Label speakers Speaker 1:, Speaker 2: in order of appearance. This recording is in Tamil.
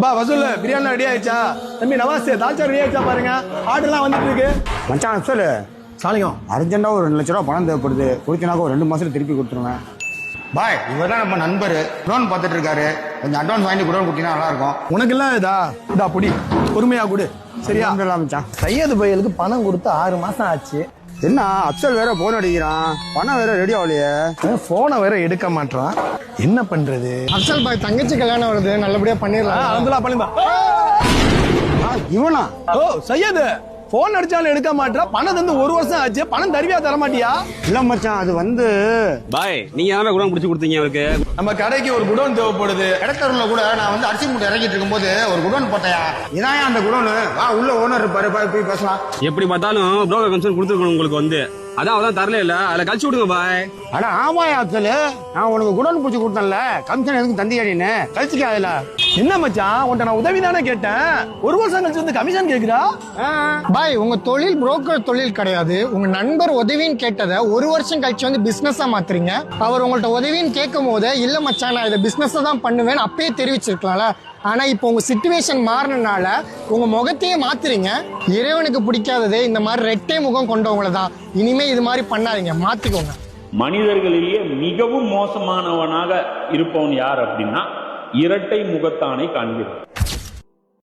Speaker 1: அப்பா வசூல் பிரியாணி ரெடி ஆயிடுச்சா? தம்பி நவாஸ் தால்ச்சா ரெடி ஆயிடுச்சா பாருங்க, ஆர்டர்லாம் வந்துட்டு இருக்கு.
Speaker 2: மச்சான் அப்சல்
Speaker 1: சாலிகம்
Speaker 2: அர்ஜென்ட்டாக ஒரு 2 லட்ச ரூபா பணம் தேவைப்படுது, கொடுத்தினாக்க ஒரு 2 மாசத்துல திருப்பி கொடுத்துருவேன். பாய், இவர் தான் நம்ம நண்பர், குடோன் பார்த்துட்டு இருக்காரு. கொஞ்சம் அட்வான்ஸ் வாங்கி குடோன் கொடுத்தீங்கன்னா நல்லா இருக்கும்.
Speaker 1: உனக்கு எல்லாம் இதா பொடி பொறுமையா கொடு, சரியா?
Speaker 2: மச்சான்
Speaker 1: சையது பையலுக்கு பணம் கொடுத்து 6 மாசம் ஆச்சு.
Speaker 2: என்ன அப்சல் வேற போன் அடிக்கிறான், பணம் வேற ரெடி ஆகலையே.
Speaker 1: போனை வேற எடுக்க மாட்டான், என்ன பண்றது?
Speaker 3: அப்சல் பாய் தங்கச்சி கல்யாணம் வருது, நல்லபடியா பண்ணிடலாம்.
Speaker 1: அதெல்லாம் பண்ணிடலாம்.
Speaker 2: இவனா?
Speaker 1: ஓ சையது, போன் அடிச்சாலும் எடுக்க மாட்டா, பணம் தந்து 1 வருஷம் ஆச்சு, பணம் தருவியா தர மாட்டியா?
Speaker 2: இல்ல மச்சான், அது வந்து
Speaker 4: பாய் நீங்க யாரா குடோன் பிடிச்சி கொடுத்தீங்க அவருக்கு?
Speaker 1: நம்ம கடைக்கு ஒரு குடோன் தேவைப்படுது.
Speaker 2: இடத்தூர்ல கூட நான் வந்து அரிசி மூட்டை இறக்கிட்டு இருக்கும்போது ஒரு குடோன் போட்டையா, இதான் அந்த குடோனு. வா உள்ள ஓனர் இருப்பாரு, போய் பேசலாம்.
Speaker 4: எப்படி பார்த்தாலும் புரோக்கர் கமிஷன் கொடுத்துருக்கணும் உங்களுக்கு வந்து, அதான் அவதான் தரல இல்ல, அதுல கழிச்சு விடுங்க பாய்.
Speaker 2: அட ஆமாயா அப்சல், நான் உனக்கு குடோன் பிடிச்சி கொடுத்தேன்ல, கமிஷன் எதுக்கு தந்தியாடின்னு கழிச்சுக்க. அதுல
Speaker 1: என்ன மச்சான், உன்ட்ட நான் உதவி தானே கேட்டேன், 1 வருஷம் கழிச்சு வந்து கமிஷன் கேக்குறா?
Speaker 3: பாய் உங்க தொழில் புரோக்கர் தொழில் கிடையாது. உங்க நண்பர் உதவின்னு கேட்டதை 1 வருஷம் கழிச்சு வந்து பிசினஸா மாத்துறீங்க. அவர் உங்கள்ட்ட உதவின்னு கேட்கும் போது இல்ல மச்சான் நான் இதை பிசினஸ் தான் பண்ணுவேன்னு அப்பயே தெரிவிச்சிருக்கலாம்ல. ஆனா இப்போ உங்க சிச்சுவேஷன் மாறினால உங்க முகத்தையே மாத்துறீங்க. இறைவனுக்கு பிடிக்காததே இந்த மாதிரி ரெட்டை முகம் கொண்டவங்கள தான். இனிமே இது மாதிரி பண்ணாதீங்க, மாத்திக்கோங்க.
Speaker 5: மனிதர்களிலேயே மிகவும் மோசமானவனாக இருப்பவன் யார் அப்படின்னா இரட்டை முகத்தானை காண்கிறான்.